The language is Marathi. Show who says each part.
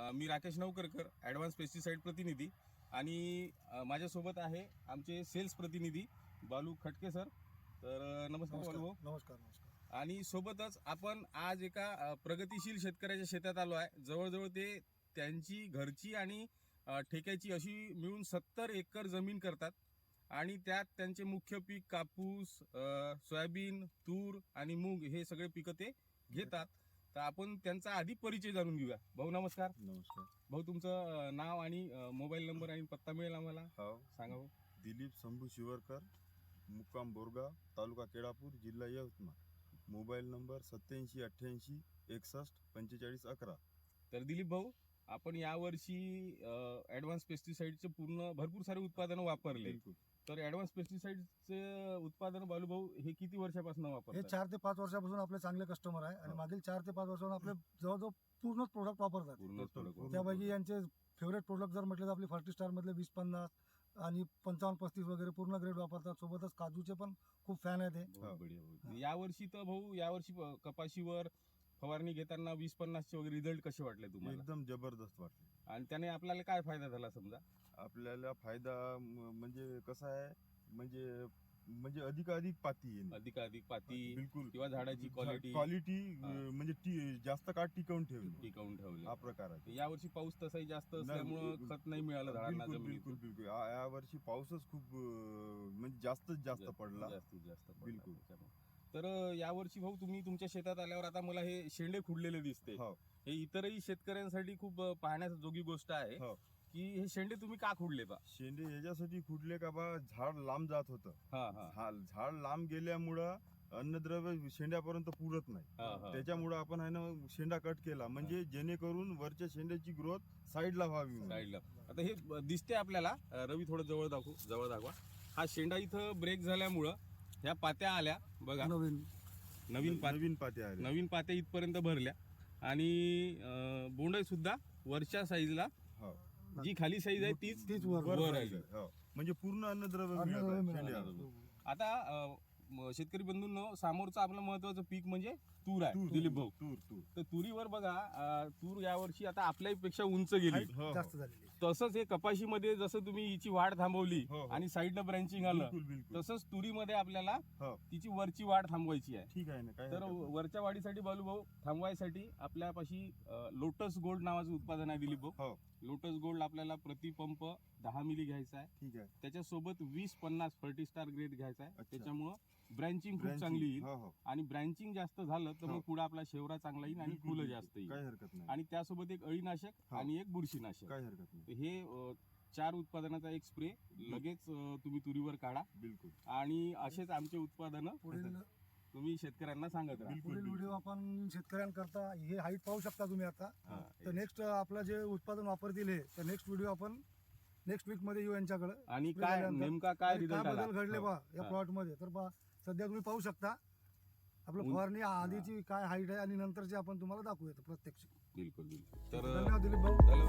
Speaker 1: मी राकेश नवकरकर, ॲडव्हान्स पेस्टिसाइड प्रतिनिधी आणि माझ्यासोबत आहे आमचे सेल्स प्रतिनिधी बालू खटके सर. तर नमस्कार बालू भाऊ.
Speaker 2: नमस्कार. नमस्कार.
Speaker 1: आणि सोबतच आपण आज एका प्रगतिशील शेतकऱ्याच्या शेतात आलो आहे. जवळजवळ ते त्यांची घरची आणि ठेक्याची अशी मिळून 70 एकर जमीन करतात आणि त्यात त्यांचे मुख्य पीक कापूस, सोयाबीन, तूर आणि मूग हे सगळे पिकं ते घेतात. तर आपण त्यांचा आधी परिचय जाणून घेऊया. भाऊ नमस्कार.
Speaker 3: नमस्कार
Speaker 1: भाऊ तुमचं नाव आणि मोबाईल नंबर आणि पत्ता मिळेल आम्हाला
Speaker 3: हो
Speaker 1: सांगा भाऊ.
Speaker 3: दिलीप शंभू शिवरकर, मुक्काम बोरगाव, तालुका केळापूर, जिल्हा यवतमाळ. Mobile number 8788 61 45 11.
Speaker 1: तर दिलीप भाऊ, आपण यावर्षी ॲडव्हान्स पेस्टिसाइडचे भरपूर सारे उत्पादनं वापरले.
Speaker 3: बिलकुल.
Speaker 1: तर ॲडव्हान्स पेस्टिसाइडचे उत्पादन बालू भाऊ हे किती वर्षापासून
Speaker 2: हे
Speaker 1: वापरतात?
Speaker 2: 4 ते 5 वर्षापासून आपले चांगले कस्टमर आहे आणि मागील 4 ते 5 वर्षापासून आपले जवळजवळ पूर्णच प्रोडक्ट वापरतात.
Speaker 1: पूर्ण
Speaker 3: पूर्ण.
Speaker 2: त्यापैकी यांचे फेवरेट प्रोडक्ट जर म्हटलं तर आपले फर्टिस्टार मधले 20-50 आणि 55-35 वगैरे पूर्ण ग्रेड वापरतात. सोबतच काजूचे पण खूप फॅन आहेत.
Speaker 1: बहुत बढिया भाऊ. यावर्षी तर भाऊ कपाशीवर फवारणी घेताना 20-50 चे वगैरे रिझल्ट कसे वाटले तुम्हाला?
Speaker 3: एकदम जबरदस्त वाटले.
Speaker 1: आणि त्याने आपल्याला काय फायदा झाला समजा?
Speaker 3: आपल्याला फायदा म्हणजे कसा आहे, म्हणजे अधिकाधिक पाती येणे,
Speaker 1: अधिकाधिक पाती
Speaker 3: बिलकुल
Speaker 1: किंवा झाडाची क्वालिटी
Speaker 3: हा. म्हणजे जास्त काळ टिकवून ठेवणे
Speaker 1: टिकवून ठेवली.
Speaker 3: हा प्रकार आहे.
Speaker 1: यावर्षी पाऊस तसाही जास्त
Speaker 3: नाही,
Speaker 1: असल्यामुळं खत नाही मिळालं झाडांना
Speaker 3: बिलकुल
Speaker 1: जमिनीतून.
Speaker 3: बिलकुल बिलकुल. या वर्षी पाऊसच खूप म्हणजे जास्त पडला.
Speaker 1: जास्तीत जास्त पडला
Speaker 3: बिलकुल.
Speaker 1: त्याच्यामुळे. तर यावर्षी भाऊ तुम्ही तुमच्या शेतात आल्यावर आता मला हे शेंडे खुडलेले दिसते.
Speaker 3: हो
Speaker 1: हे इतरही शेतकऱ्यांसाठी खूप पाहण्याजोगी गोष्ट आहे
Speaker 3: हो.
Speaker 1: की हे शेंडे तुम्ही का खुडले बा?
Speaker 3: शेंडे याच्यासाठी खुडले का बा, झाड लांब जात होतं. झाड लांब गेल्यामुळं अन्नद्रव्य शेंड्यापर्यंत पुरत नाही. त्याच्यामुळं आपण आहे ना शेंडा कट केला, म्हणजे जेणेकरून वरच्या शेंड्याची ग्रोथ साईडला व्हावी म्हणून.
Speaker 1: साईडला. आता हे दिसते आपल्याला. रवी थोडं जवळ दाखवा. हा शेंडा इथं ब्रेक झाल्यामुळं ह्या पात्या आल्या बघा. नवीन
Speaker 3: पाते आले.
Speaker 1: नवीन पात्या इथपर्यंत भरल्या आणि बोंड सुद्धा वरच्या साईजला,
Speaker 3: हो
Speaker 1: जी खाली साईज आहे तीच
Speaker 2: वर
Speaker 1: वर आहे.
Speaker 3: हो. म्हणजे पूर्ण अन्नद्रव्य
Speaker 2: अन्नद्रव्य
Speaker 3: मिळालं
Speaker 2: मिळालं.
Speaker 3: शेंड्याला.
Speaker 1: आता शेतकरी बंधूंनो, समोरचं आपलं महत्वाचं पीक म्हणजे तूर आहे दिलीप भाऊ.
Speaker 3: तूर
Speaker 1: तर तुरीवर बघा, तूर यावर्षी आता आपल्यापेक्षा उंच गेली.
Speaker 3: हो,
Speaker 2: जास्त झालेली.
Speaker 1: तसंच हे कपाशीमध्ये जसं तुम्ही हिची वाढ थांबवली
Speaker 3: हो, हो.
Speaker 1: आणि साईडनं ब्रँचिंग आलं,
Speaker 3: बिलकुल बिलकुल.
Speaker 1: तसंच तुरीमध्ये आपल्याला
Speaker 3: हो
Speaker 1: तिची वरची वाढ थांबवायची आहे.
Speaker 3: ठीक आहे ना, काय
Speaker 1: तर
Speaker 3: हरकत नाही.
Speaker 1: वरच्या वाढीसाठी बालू भाऊ थांबवायसाठी आपल्यापाशी लोटस गोल्ड नावाचं उत्पादन आहे दिलीप भाऊ.
Speaker 3: हो
Speaker 1: लोटस गोल्ड आपल्याला प्रतिपंप 10 मिली घ्यायचा आहे.
Speaker 3: ठीक आहे.
Speaker 1: त्याच्यासोबत 20-50 फर्टिस्टार ग्रेड घ्यायचा आहे.
Speaker 3: अच्छा.
Speaker 1: त्याच्यामुळं ब्रँचिंग खूप
Speaker 3: Branching.
Speaker 1: चांगली येईल.
Speaker 3: हो हो.
Speaker 1: आणि ब्रँचिंग जास्त झालं तर मग
Speaker 3: हो.
Speaker 1: पुढे आपला शेवरा चांगला येईल आणि
Speaker 3: बिलकुल,
Speaker 1: फुलं
Speaker 3: बिलकुल.
Speaker 1: जास्त येईल.
Speaker 3: काही हरकत नाही.
Speaker 1: आणि त्यासोबत एक अळीनाशक
Speaker 3: हो.
Speaker 1: आणि एक बुरशीनाशक.
Speaker 3: काही हरकत नाही.
Speaker 1: तर हे 4 उत्पादनाचा एक स्प्रे लगेच तुम्ही तुरीवर काढा
Speaker 3: बिलकुल
Speaker 1: आणि असेच आमचे उत्पादनं
Speaker 2: पुढील
Speaker 1: तुम्ही शेतकऱ्यांना सांगत राहा.
Speaker 3: बिलकुल,
Speaker 2: पुढील
Speaker 3: बिलकुल.
Speaker 2: व्हिडिओ आपण शेतकऱ्यांकरता हे हाईट पाहू शकता तुम्ही आता.
Speaker 1: हा,
Speaker 2: तर नेक्स्ट आपलं जे उत्पादन वापरतील हे, तर नेक्स्ट व्हिडिओ आपण नेक्स्ट वीक मध्ये येऊ यांच्याकडे.
Speaker 1: आणि काय नेमका काय रिझल्ट आला
Speaker 2: बदल घडले
Speaker 3: हो.
Speaker 2: बा या
Speaker 1: हा.
Speaker 2: प्लॉट मध्ये, तर बा सध्या तुम्ही पाहू शकता आपलं फवारणी आधीची काय हाईट आहे आणि नंतरची आपण तुम्हाला दाखवूया प्रत्यक्ष.
Speaker 1: बिलकुल. तर
Speaker 2: धन्यवाद दिलीप भाऊ.
Speaker 1: धन्यवाद.